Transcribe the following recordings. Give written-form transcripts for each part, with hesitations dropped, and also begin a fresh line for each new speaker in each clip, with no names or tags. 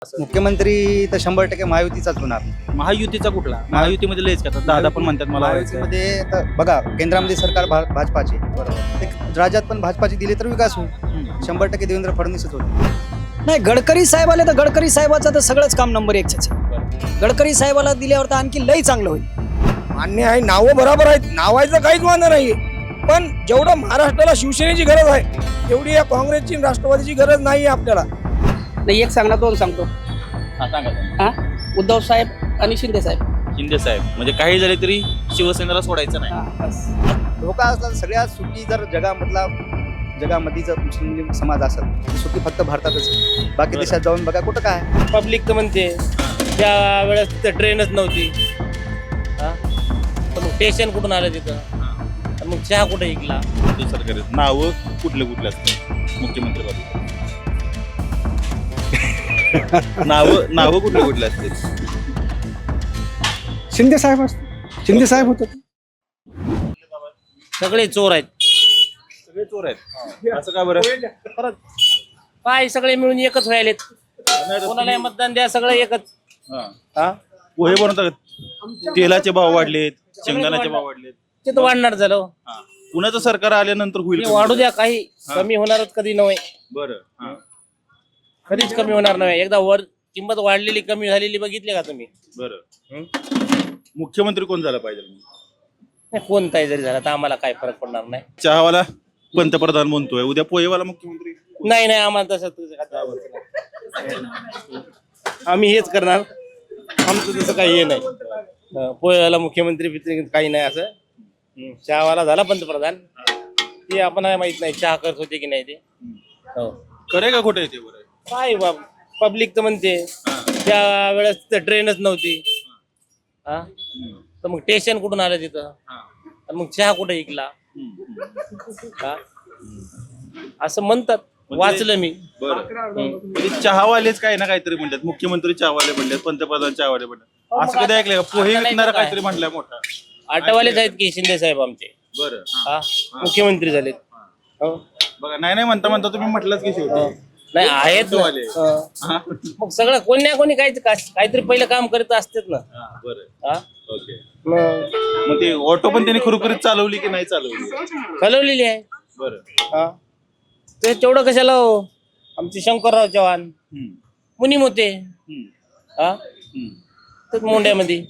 मुख्यमंत्री तर 100% महायुतीचाच होणार.
महायुतीचा कुठला? महायुतीमध्ये लयच का दादा पण म्हणतात मला व्हायचंय.
महायुतीमध्ये तर बघा, केंद्रामध्ये सरकार भाजपाचे, बरोबर, राज्यात पण भाजपाची दिली तर विकास होईल. 100% देवेंद्र फडणवीसच होते.
नाही, गडकरी साहेब आले तर गडकरी साहेबाचं तर सगळंच काम नंबर 1च आहे. गडकरी साहेबाला दिल्यावर तर आणखी लई चांगलं होईल.
मान्य आहे, नावं बरोबर आहेत, नावायचं काहीच वांधा नाहीये, पण जेवढं महाराष्ट्राला शिवसेनेची गरज आहे तेवढी या काँग्रेसची आणि राष्ट्रवादीची गरज नाही आपल्याला.
नाही, एक सांगणार दोन सांगतो.
हा, सांगा.
हा, उद्धव साहेब आणि शिंदे साहेब.
शिंदे साहेब म्हणजे काही झाले तरी शिवसेनेला सोडायचं नाही.
हा, बस.
धोका असला तर सगळ्यात सुखी जर जगामध्ये जर मुस्लिम समाज असेल, सुखी फक्त भारतातच आहे. बाकी देशात जाऊन बघा कुठं काय.
पब्लिक तर म्हणते त्या वेळेस तिथं ट्रेनच नव्हती. हा, तर मग स्टेशन कुठून आलं तिथं? तर मग चहा कुठे ऐकला?
सरकार नाव कुठले असतात मुख्यमंत्री नाव कुठले असतील?
शिंदे साहेब होते.
सगळे चोर आहेत.
सगळे चोर आहेत. असं का बरं?
परत काय सगळे मिळून एकच व्हायलेत. कोणाला मतदान द्या, सगळे एकच. हा,
पोहे बनवतात, तेलाचे भाव वाढलेत, शेंगदाण्याचे भाव वाढलेत.
ते तर वाढणार झालं.
कुणाचं सरकार आल्यानंतर होईल?
ते वाढू द्या, काही कमी होणारच कधी नव्हे.
बरं.
कधीच कमी होणार नाही. एकदा वर किंमत वाढलेली कमी झालेली बघितली का तुम्ही?
बरं. मुख्यमंत्री कोण झाला पाहिजे?
नाही, कोणताही जरी झाला तर आम्हाला काय फरक पडणार नाही.
चहावाला पंतप्रधान म्हणतोय, उद्या पोहेवाला मुख्यमंत्री.
नाही, आम्हाला तसं आम्ही हेच करणार. आमचं तसं काही हे नाही. पोह्याला मुख्यमंत्री काही नाही असं. चहावाला झाला पंतप्रधान, ते आपण माहित नाही चहा करत होते की नाही ते. हो,
खरे का खोटे ते? बरं
काय पब्लिक तर म्हणते त्या वेळेस तिथं ट्रेनच नव्हती. हा, तर मग स्टेशन कुठून आलं तिथं? तर मग चहा कुठे ऐकला? हा, असं म्हणतात, वाचलं मी.
बरं. चहावालेच काय ना काहीतरी म्हणतात, मुख्यमंत्री चहावाले म्हणतात, पंतप्रधान चहावाले म्हणतात. असं कधी ऐकलंय का? पोहे विकणारा काहीतरी म्हटलंय मोठा.
आटवालेच आहेत की शिंदे साहेब आमचे.
बरं.
हा, मुख्यमंत्री झालेत. हो,
बघा, नाही म्हणता तुम्ही म्हटलंच की शेवटी.
नाही आहेत ना. मग सगळं कोणी ना कोणी काहीतरी पहिलं काम करत असतेच ना.
बरं.
हा,
ओके. मग ते ऑटो पण त्यांनी खरोखरीच चालवली की नाही चालवली?
चालवलेली आहे.
बरं.
हा, ते तेवढं कशाला हो? आमचे शंकरराव चव्हाण मुनीम होते. हा, तर मोंड्यामध्ये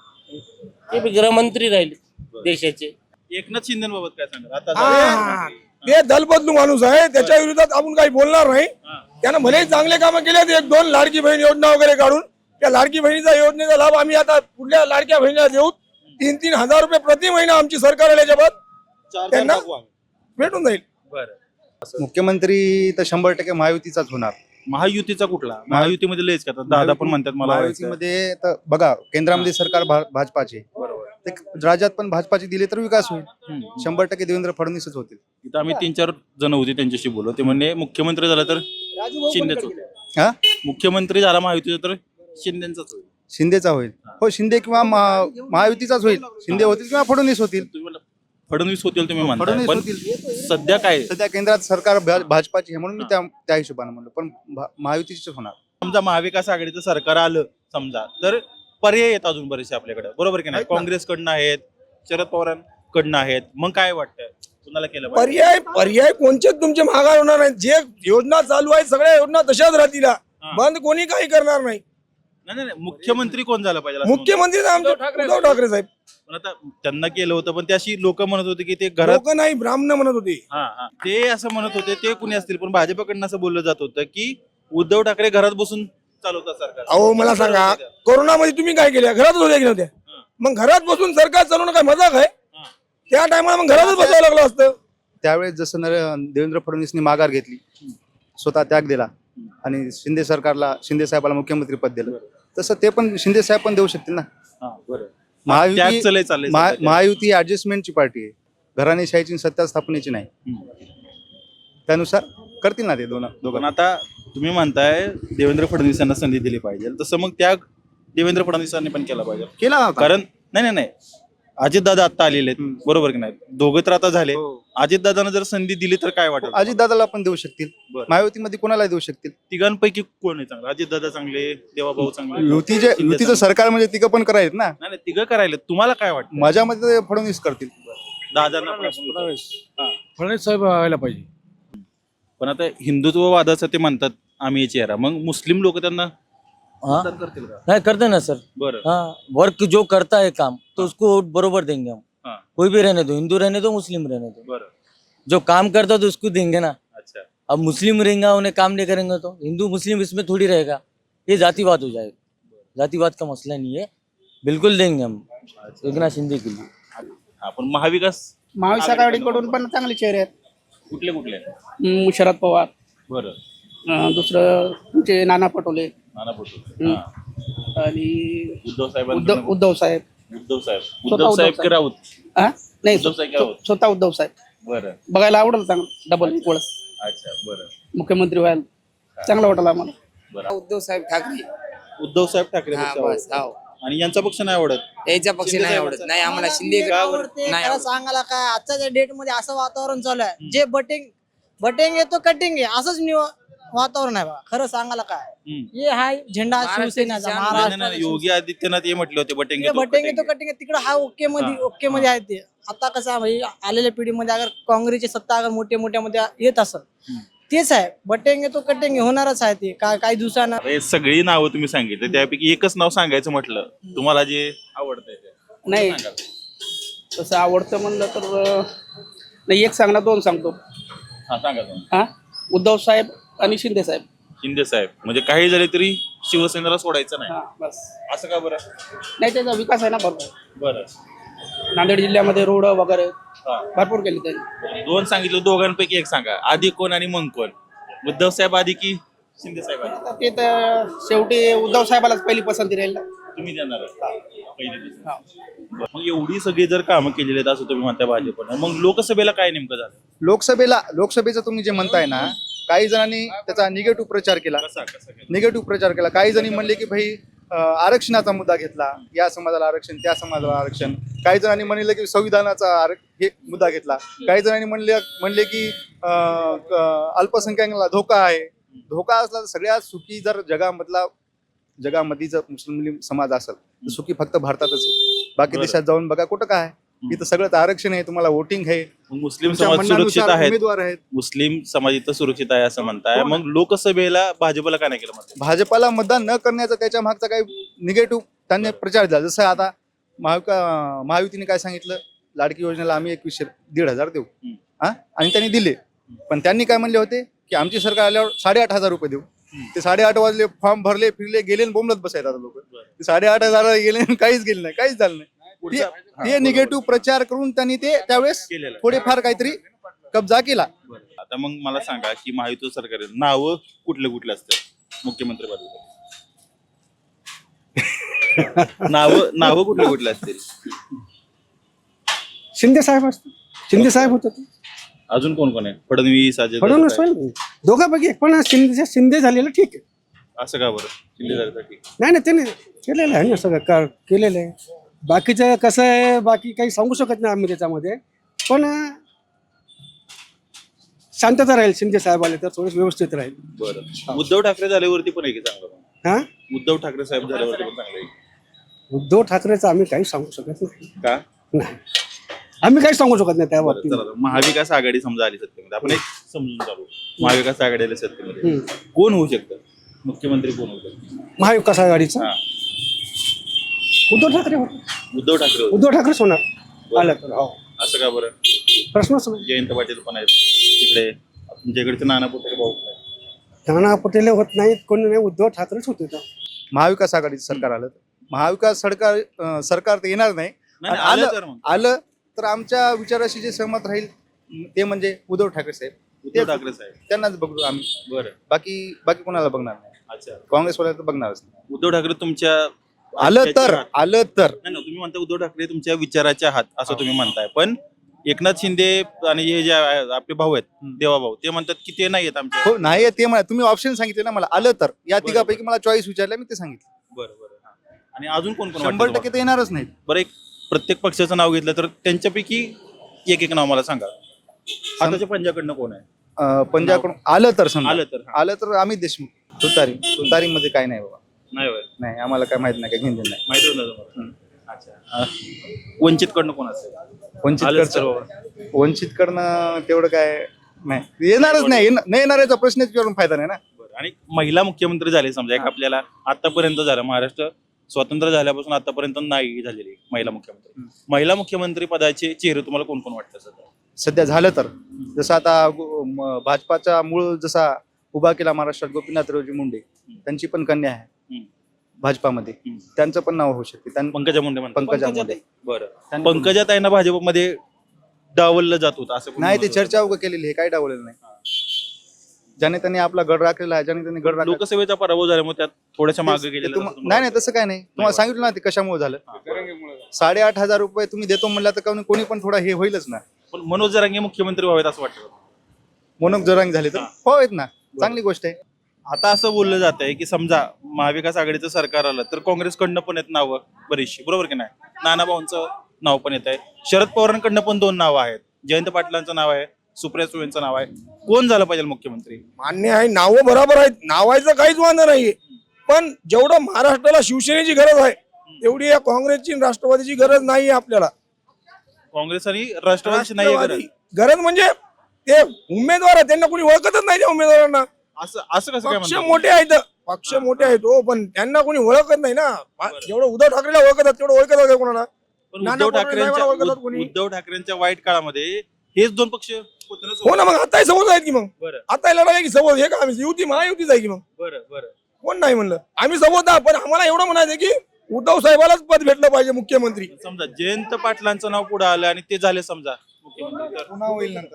ते बी गृहमंत्री राहिले देशाचे.
एकनाथ शिंदेबाबत काय सांगा आता?
ते दलबदलू माणूस आहे, त्याच्या विरोधात आपण काही बोलणार नाही. त्यानं भले चांगले कामं केले, 1-2 लाडकी बहीण योजना वगैरे काढून त्या लाडकी बहिणीचा योजनेचा लाभ आम्ही आता पुढल्या लाडक्या बहिणीला देऊ. 3-3 हजार रुपये प्रति महिना आमची सरकार आल्याच्या बाद त्यांना भेटून जाईल.
मुख्यमंत्री तर 100% महायुतीचाच होणार.
महायुतीचा कुठला? महायुतीमध्ये लयच का दादा पण म्हणतात मला व्हायचंय.
महायुतीमध्ये तर बघा, केंद्रामध्ये सरकार भाजपाचे, राज्यात पण भाजपाची दिली तर विकास होईल. 100% देवेंद्र फडणवीसच होतील.
इथं आम्ही 3-4 जण होते, त्यांच्याशी बोललो. ते म्हणले मुख्यमंत्री झाला तर शिंदेच होईल.
हा,
मुख्यमंत्री झाला महायुतीचा तर शिंदेचाच होईल.
शिंदेचा होईल. हो, शिंदे किंवा महायुतीचाच होईल. शिंदे होतील किंवा फडणवीस होतील.
तुम्ही म्हणला फडणवीस होतील, तुम्ही म्हणता,
फडणवीस
पण
होतील.
सध्या काय?
सध्या केंद्रात सरकार भाजपाची आहे म्हणून मी त्या हिशोबाने म्हणलो, पण महायुतीच होणार.
समजा महाविकास आघाडीचं सरकार आलं समजा, तर पर्याय आहेत अजून बरेचसे आपल्याकडे, बरोबर की नाही? काँग्रेसकडनं आहेत, शरद पवारांकडनं आहेत. मग काय वाटतं कुणाला केलं पाहिजे?
पर्याय कोणतेच तुमचे महागाई होणार नाही. जे योजना चालू आहेत सगळ्या योजना तशाच राहतील. बंद कोणी काही करणार नाही.
नाही, मुख्यमंत्री कोण झालं पाहिजे असं
मुख्यमंत्री आमचे उद्धव ठाकरे साहेब.
पण आता त्यांना केलं होतं, पण त्याशी लोक म्हणत होते की ते घरात
लोक नाही, ब्राह्मण म्हणत होते.
ते असं म्हणत होते, ते कुणी असतील, पण भाजपकडनं असं बोललं जात होतं की उद्धव ठाकरे घरात बसून चालवतात सरकार.
अहो, मला सांगा, कोरोनामध्ये तुम्ही काय केलं? घरातच होत्या की नव्हत्या? मग घरात बसून सरकार चालवणं काय मजाक आहे? त्या टायमाला मग घरातच बसावं लागलं असतं.
त्यावेळेस जसं देवेंद्र फडणवीसनी माघार घेतली, स्वतः त्याग दिला आणि शिंदे साहेबाला मुख्यमंत्री पद दिलं, तसं ते पण शिंदे साहेब पण देऊ शकतील ना. महायुती ऍडजस्टमेंटची पार्टी आहे, घराणेशाहीची सत्ता स्थापनेची नाही. त्यानुसार करतील ना ते दोघं.
आता तुम्ही म्हणताय देवेंद्र फडणवीसांना संधी दिली पाहिजे, तसं मग त्या देवेंद्र फडणवीसांनी पण केला पाहिजे.
केला
कारण नाही अजितदादा आता आलेले आहेत बरोबर की नाही दोघे तर आता झाले
हो.
अजितदादांना जर संधी दिली तर काय वाटेल
अजितदादाला पण देऊ शकतील,
बरं.
महायुतीमध्ये कोणाला देऊ शकतील.
तिघांपैकी कोण आहे चांगलं अजितदादा चांगले देवाभाऊ चांगले
युतीचं सरकार म्हणजे तिघं पण करायत ना.
नाही नाही, तिघं करायला तुम्हाला काय वाटतं
माझ्या मते ते फडणवीस करतील.
दादांना
फडणवीस साहेब व्हायला पाहिजे.
पण आता हिंदुत्ववादाचं ते म्हणतात आम्ही चेहरा मग मुस्लिम लोक त्यांना
हाँ
मतदान करतील का
नहीं करते ना सर.
बरं
हाँ वर्क जो करता है काम तो उसको वोट बरोबर देंगे हम.
हाँ.
कोई भी रहने दो, हिंदू रहने दो, मुस्लिम रहने दो,
बरं
जो काम करता है तो उसको देंगे ना.
अच्छा
अब मुस्लिम रहेंगे उन्हें काम नहीं करेंगे तो हिंदू मुस्लिम इसमें थोड़ी रहेगा. ये जातिवाद हो जाएगा. जातिवाद का मसला नहीं है, बिल्कुल देंगे हम एकनाथ शिंदे के लिए.
आपण महाविकास
महाविकास आघाडीकडून पण चांगले चेहरे आहेत.
कुठले कुठले
शरद पवार,
बरं
दुसरं तुमचे नाना पटोले
नाना पटोले हा.
आणि
उद्धव साहेबांकडून
उद्धव साहेब.
उद्धव साहेब
स्वतः
उद्धव साहेब
उद्धव
की राऊत
हा? नाही
उद्धव साहेब काय होत?
स्वतः उद्धव साहेब
बरं
बघायला आवडेल चांगलं डबल वेळेस
अच्छा बरं
मुख्यमंत्री व्हायला चांगलं वाटेल आम्हाला.
बरं
उद्धव साहेब ठाकरे.
उद्धव साहेब ठाकरे
हा
पक्ष
बस
आवडतो.
हो
आणि यांचा पक्ष नाही आवडत
याच्या पक्ष
शिंदे
नाही
साहेबाचा.
आवडत नाही आम्हाला शिंदे नाही
त्याला
आवडत.
सांगायला काय आजच्या डेट मध्ये असं वातावरण चालू आहे जे बटिंग येतो कटिंग आहे असंच वातावरण आहे बघा. खरं सांगायला काय
हम्म.
हे हाय झेंडा शिवसेनेचा
नाही, नाही, नाही,
महाराष्ट्र
योगी आदित्यनाथ हे म्हटले होते बटेंगे
बटिंग येतो कटिंग तिकडे हा ओके मध्ये आहे ते. आता कसं आहे भाई आलेल्या पिढीमध्ये अगर काँग्रेसची सत्ता अगर मोठ्या मध्ये येत असेल तेच आहे बटिंग येतो कटिंग होणारच आहे ते काही दिवसांना.
हे सगळी नावं तुम्ही सांगितले त्यापैकी एकच नाव सांगायचं म्हटलं तुम्हाला जे आवडतंय ते
नाही
सांगा.
तसं आवडतं म्हणलं तर नाही एक सांगणार दोन सांगतो.
हा सांगा तुम्ही
हा उद्धव साहेब आणि शिंदे साहेब.
शिंदे साहेब म्हणजे काही झाले तरी शिवसेनेला सोडायचं नाही
हा बस.
असं का बरं
नाही त्याचा विकास आहे ना भरपूर.
बरं
नांदेड जिल्ह्यामध्ये रोड वगैरे
हा.
भरपूर केले त्यांनी.
दोन सांगितलं दोघांपैकी एक सांगा आधी कोण आणि मग कोण उद्धव साहेब आधी की शिंदे साहेब आधी
आता ते तर शेवटी उद्धव साहेबालाच पहिली पसंती राहील ना.
तुम्ही देणार मग एवढी सगळी जर कामं केलेली आहेत असं तुम्ही म्हणताय भाजपनं मग लोकसभेला काय नेमकं झालं
लोकसभेचं तुम्ही जे म्हणताय ना काही जणांनी त्याचा निगेटिव्ह प्रचार केला.
कसा कसा केलं?
निगेटिव्ह प्रचार केला. काही जणी म्हणले की भाई आरक्षणाचा मुद्दा घेतला, या समाजाला आरक्षण त्या समाजाला आरक्षण. काही जणांनी म्हणले की संविधानाचा हे मुद्दा घेतला. काही जणांनी म्हणले की अल्पसंख्याकांना धोका आहे. धोका असला तर सगळ्यात सुखी जर जगामध्ये जर मुस्लिम समाज असेल तर सुखी फक्त भारतातच आहे. बाकी
बरं.
देशात जाऊन बघा कुठं काय इथं सगळं आरक्षण आहे, तुम्हाला वोटिंग आहे,
मग मुस्लिम
तुमच्या
समाज सुरक्षित
म्हणण्यानुसार
आहेत
उमेदवार आहेत.
मुस्लिम समाज इथं सुरक्षित आहे असं म्हणताय मग लोकसभेला भाजपला काय नाही केलं म्हणताय?
भाजपाला मतदान न करण्याचा त्याच्या मागचा काही निगेटिव्ह त्यांनी प्रचार झाला. जसं आता महायुतीने काय सांगितलं लाडकी योजनेला आम्ही 1,100 देऊ हा आणि त्यांनी दिले. पण त्यांनी काय म्हणले होते की आमची सरकार आल्यावर 8,500 रुपये देऊ. ते 8,500 वाजले फॉर्म भरले फिरले गेले आणि बोंबलत बसायला लोक. 8,500 गेले आणि काहीच गेले नाही, काहीच झालं नाही. ते निगेटिव्ह प्रचार करून त्यांनी ते त्यावेळेस
केलेलं आहे.
थोडेफार काहीतरी कब्जा केला.
आता मग मला सांगा की महायुती सरकार नाव कुठले कुठले असतात मुख्यमंत्री नाव कुठले कुठले असतील
शिंदे साहेब असते. शिंदे साहेब होते ते.
अजून कोण कोण आहे फडणवीस अजय
फडणवीस
दादा
होईल दोघांपैकी एक. पण शिंदे झालेलं ठीक आहे.
असं का बरं शिंदे झाल्यासाठी
नाही त्याने केलेलं आहे ना सगळं केलेलं आहे. बाकीचं कसं आहे बाकी काही सांगू शकत नाही आम्ही त्याच्यामध्ये. पण शांतता राहील शिंदे साहेब आले तर थोडं व्यवस्थित राहील.
बरं उद्धव ठाकरे झाल्यावरती पण आहे की चांगलं
हा
उद्धव ठाकरे साहेब झाल्यावरती पण चांगलं आहे
उद्धव ठाकरेचं आम्ही काही सांगू शकत नाही.
का
नाही आम्ही काही सांगू शकत नाही त्या
बरं,
बाबतीत.
चला, महाविकास आघाडी समजा आली सत्तेमध्ये आपण एक समजून चालू महाविकास आघाडी आली सत्तेमध्ये कोण होऊ शकतं मुख्यमंत्री कोण होऊ शकतं
महाविकास आघाडीचा
हा
उद्धव ठाकरे होते.
उद्धव ठाकरे होते.
उद्धव ठाकरेच होणार आलं तर. हो
असं का बरं
प्रश्नच नाही.
जयंत पाटील पण आहेत तिकडे तुमच्या इकडचे नाना पटोले भाऊ पण आहेत.
नाना पटेल होत नाहीत कोणी नाही उद्धव ठाकरेच होते तर.
महाविकास आघाडीचं सरकार आलं महाविकास सरकार तर येणार नाही.
नाही,
आणि
आलं तर मग.
आलं तर आमच्या विचाराशी जे सहमत राहील ते म्हणजे उद्धव ठाकरे साहेब.
उद्धव ठाकरे साहेब
त्यांनाच बघू आम्ही.
बरं
बाकी कोणाला बघणार नाही.
अच्छा
काँग्रेसवाल्या तर बघणारच नाही.
उद्धव ठाकरे तुमच्या
आलं तर
नाही ना तुम्ही म्हणता उद्धव ठाकरे तुमच्या विचाराचे आहात असं तुम्ही म्हणताय पण एकनाथ शिंदे आणि हे जे आपले भाऊ आहेत देवाभाऊ ते म्हणतात की ते नाही आहेत आमच्या
हो नाही ते म्हणा तुम्ही ऑप्शन सांगितले ना मला आलं तर या तिघापैकी मला चॉईस विचारलं मी ते सांगितलं.
बरं बरं हा. आणि अजून कोण कोण
100% ते येणारच नाहीत.
बरं एक प्रत्येक पक्षाचं नाव घेतलं तर त्यांच्यापैकी एक नाव मला सांगा. हाताच्या पंजाकडनं कोण आहे?
पंजाबकडून आलं तर समजा
आलं तर
आलं तर अमित देशमुख. तुतारीमध्ये काय नाही बाबा.
नाही होय,
नाही आम्हाला काय माहित नाही, काय घेऊन नाही.
माहितच नाही तुम्हाला. अच्छा. वंचितकडनं कोण असेल? आलं तर बाबा.
वंचितकडनं तेवढं काय नाही, येणारच नाही. नाही येणाऱ्याचा प्रश्नच करून फायदा नाही ना.
बरं. आणि महिला मुख्यमंत्री झाले समजा, एक आपल्याला आतापर्यंत झालं, महाराष्ट्र स्वतंत्र झाल्यापासून आतापर्यंत नाही झालेली महिला मुख्यमंत्री. महिला मुख्यमंत्री पदाचे चेहरे तुम्हाला कोण कोण वाटतं सध्या?
सध्या झालं तर जसं आता भाजपाचा मूळ जसा उभा केला महाराष्ट्रात गोपीनाथरावजी मुंडे, त्यांची पण कन्या आहे भाजपामध्ये, त्यांचं पण नाव होऊ शकते.
पंकजा मुंडे म्हणतात.
पंकजा मुंडे.
बरं. पंकजा ताईंना भाजपमध्ये डावललं जात होतं असं पण
नाही, ते
म्हणत होते.
चर्चा उगा केलेली आहे, काय डावलेलं नाही. ज्याने त्यांनी आपला गड राखलेला आहे, ज्याने त्यांनी गड राखला.
लोकसभेचा पराभव झाल्यामुळे त्यात थोड्याशा मागे गेले.
नाही नाही, तसं काय नाही. तुम्हाला सांगितलं ना ते कशामुळे झालं. 8,500 रुपये तुम्ही देतो म्हणला तर कोणी पण थोडा हे होईलच ना.
पण मनोज जरांगे मुख्यमंत्री व्हावेत असं वाटतं.
मनोज जरांगे झाले तर होत ना, चांगली गोष्ट आहे.
आता असं बोललं जात आहे की समजा महाविकास आघाडीचं सरकार आलं तर काँग्रेसकडनं पण येत नावं बरीचशी, बरोबर की नाही? नानाभाऊंचं नाव पण येत आहे, शरद पवारांकडनं पण 2 नावं आहेत, जयंत पाटलांचं नाव आहे, सुप्रिया सुळेंचं नाव आहे. कोण झालं पाहिजे मुख्यमंत्री?
मान्य आहे, नावं बरोबर आहेत, नावायचं काहीच वांधा नाहीये. पण जेवढं महाराष्ट्राला शिवसेनेची गरज आहे तेवढी या काँग्रेसची आणि राष्ट्रवादीची गरज नाहीये आपल्याला.
काँग्रेस आणि राष्ट्रवादीची नाही गरज.
गरज म्हणजे ते उमेदवार आहेत, त्यांना कोणी ओळखतच नाही त्या उमेदवारांना.
असं असं कसं काय
पक्ष
म्हणतात?
मोठे आहेत, पक्ष मोठे आहेत हो, पण त्यांना कोणी ओळखत नाही ना. जेवढं उद्धव ठाकरेला ओळखतात तेवढं ओळखत आहे कोणाला.
पण
नाना पटोले ओळखतात कोणी.
उद्धव ठाकरेंच्या वाईट काळामध्ये हेच 2 पक्ष होते ना
हो ना, मग आताही समोर आहेत की मग.
बरं
आता लढाई आहे की समोर हे का आम्ही युती महायुतीच आहे की मग.
बरं बरं.
कोण नाही म्हणलं, आम्ही समोर आहोत. पण आम्हाला एवढं म्हणायचं की उद्धव साहेबालाच पद भेटलं पाहिजे मुख्यमंत्री.
समजा जयंत पाटलांचं नाव पुढे आलं आणि ते झाले समजा मुख्यमंत्री, तर
पुन्हा होईल नंतर.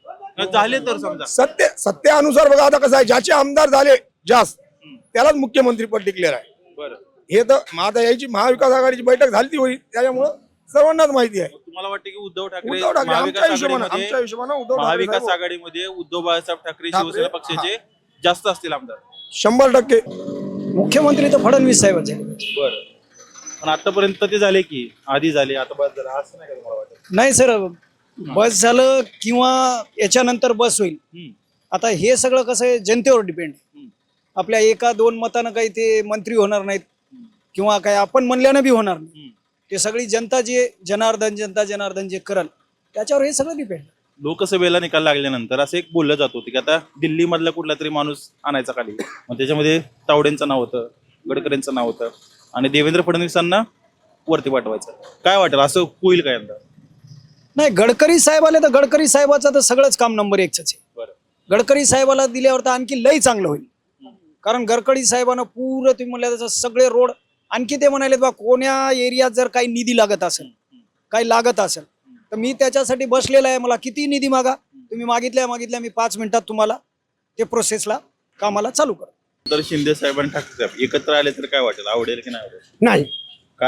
झाले तर समजा
सत्यानुसार बघा आता कसं आहे, ज्याचे आमदार झाले जास्त त्यालाच मुख्यमंत्री पद डिक्लेअर आहे.
बरं.
हे तर आता याची महाविकास आघाडीची बैठक झाली ती होईल, त्याच्यामुळं सर्वांनाच माहिती आहे.
तुम्हाला वाटतं की उद्धव ठाकरे
उद्धव ठाकरे
महाविकास
आमच्या हिशोबानं उद्धव ठाकरे
महाविकास
साहेब
आघाडीमध्ये उद्धव बाळासाहेब ठाकरे शिवसेना पक्षाचे जास्त असतील आमदार?
100%.
मुख्यमंत्री तर फडणवीस साहेब झाले.
बरं. पण आतापर्यंत ते झाले की आधी झाले, आता बस झालं असं नाही का तुम्हाला वाटत?
नाही सर, बस झालं किंवा याच्यानंतर बस होईल. आता हे सगळं कसं आहे, जनतेवर डिपेंड. आपल्या 1-2 मतानं काही ते मंत्री होणार नाहीत किंवा काय आपण म्हणल्यानं बी होणार नाही. ते सगळी जनता जे जनार्दन जे करल त्याच्यावर हे सगळं डिपेंड.
लोकसभेला निकाल लागल्यानंतर असं एक बोललं जात होतं की आता दिल्ली मधला कुठला तरी माणूस आणायचा खाली, मग त्याच्यामध्ये तावडेंचं नाव होतं, गडकरींचं नाव होतं आणि देवेंद्र फडणवीसांना वरती पाठवायचं. काय वाटेल, असं होईल का यंदा?
नाही, गडकरी साहेब आले तर गडकरी साहेबाचं तर सगळंच काम नंबर 1च आहे.
बरं.
गडकरी साहेबाला दिल्यावर तर आणखी लई चांगलं होईल. कारण गडकरी साहेबांना पूर्ण तुम्ही म्हणल्या तसं सगळे रोड, आणखी ते म्हणाले बा कोण्या एरियात जर काही निधी लागत असेल, काही लागत असेल तर मी त्याच्यासाठी बसलेला आहे. मला किती निधी मागा, तुम्ही मागितल्या मी 5 मिनिटात तुम्हाला ते प्रोसेसला कामाला चालू करा.
तर शिंदे साहेब आणि ठाकरे साहेब एकत्र आले तर काय वाटेल, आवडेल की नाही आवडेल?
नाही,
का?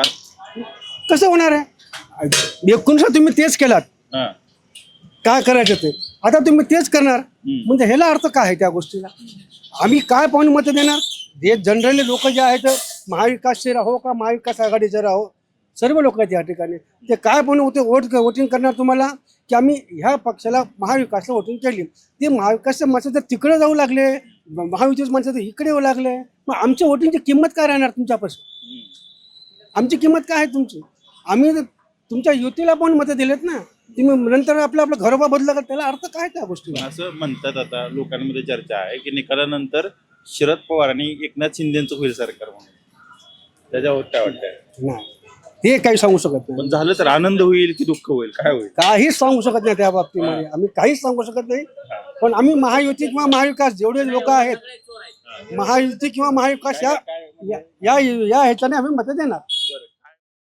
कसं होणार आहे? 19 तुम्ही तेच केलात,
हा.
काय करायचं ते आता तुम्ही तेच करणार, म्हणजे ह्याला अर्थ काय आहे त्या गोष्टीला? आम्ही काय पाहून मत देणार? जे जनरली लोक जे आहेत, महाविकासचे राहो का महाविकास आघाडीचे राहो, सर्व लोक आहेत या ठिकाणी, ते काय पण होते वोटिंग करणार तुम्हाला की आम्ही ह्या पक्षाला महाविकासला वोटिंग केली. ते महाविकासच्या माणसं जर तिकडे जाऊ लागले, महायुतीचे माणसं तर इकडे येऊ लागले, मग आमच्या वोटिंगची किंमत काय राहणार तुमच्यापासून? आमची किंमत काय आहे तुमची? आम्ही तुमच्या युतीला पण मतं दिलेत ना, तुम्ही नंतर आपलं घरोबा बदला का, त्याला अर्थ काय त्या गोष्टीला?
असं म्हणतात आता लोकांमध्ये चर्चा आहे की निकालानंतर शरद पवार आणि एकनाथ शिंदेचं होईल सरकार म्हणून, त्याच्यावर काय वाटतंय?
नाही, हे काही सांगू शकत नाही.
पण झालं तर आनंद होईल की दुःख होईल, काय होईल?
काहीच सांगू शकत नाही त्या बाबतीमध्ये, आम्ही काहीच सांगू शकत नाही. पण आम्ही महायुती किंवा महाविकास जेवढे लोक आहेत, महायुती किंवा महाविकास या ह्याच्याने आम्ही मतं देणार.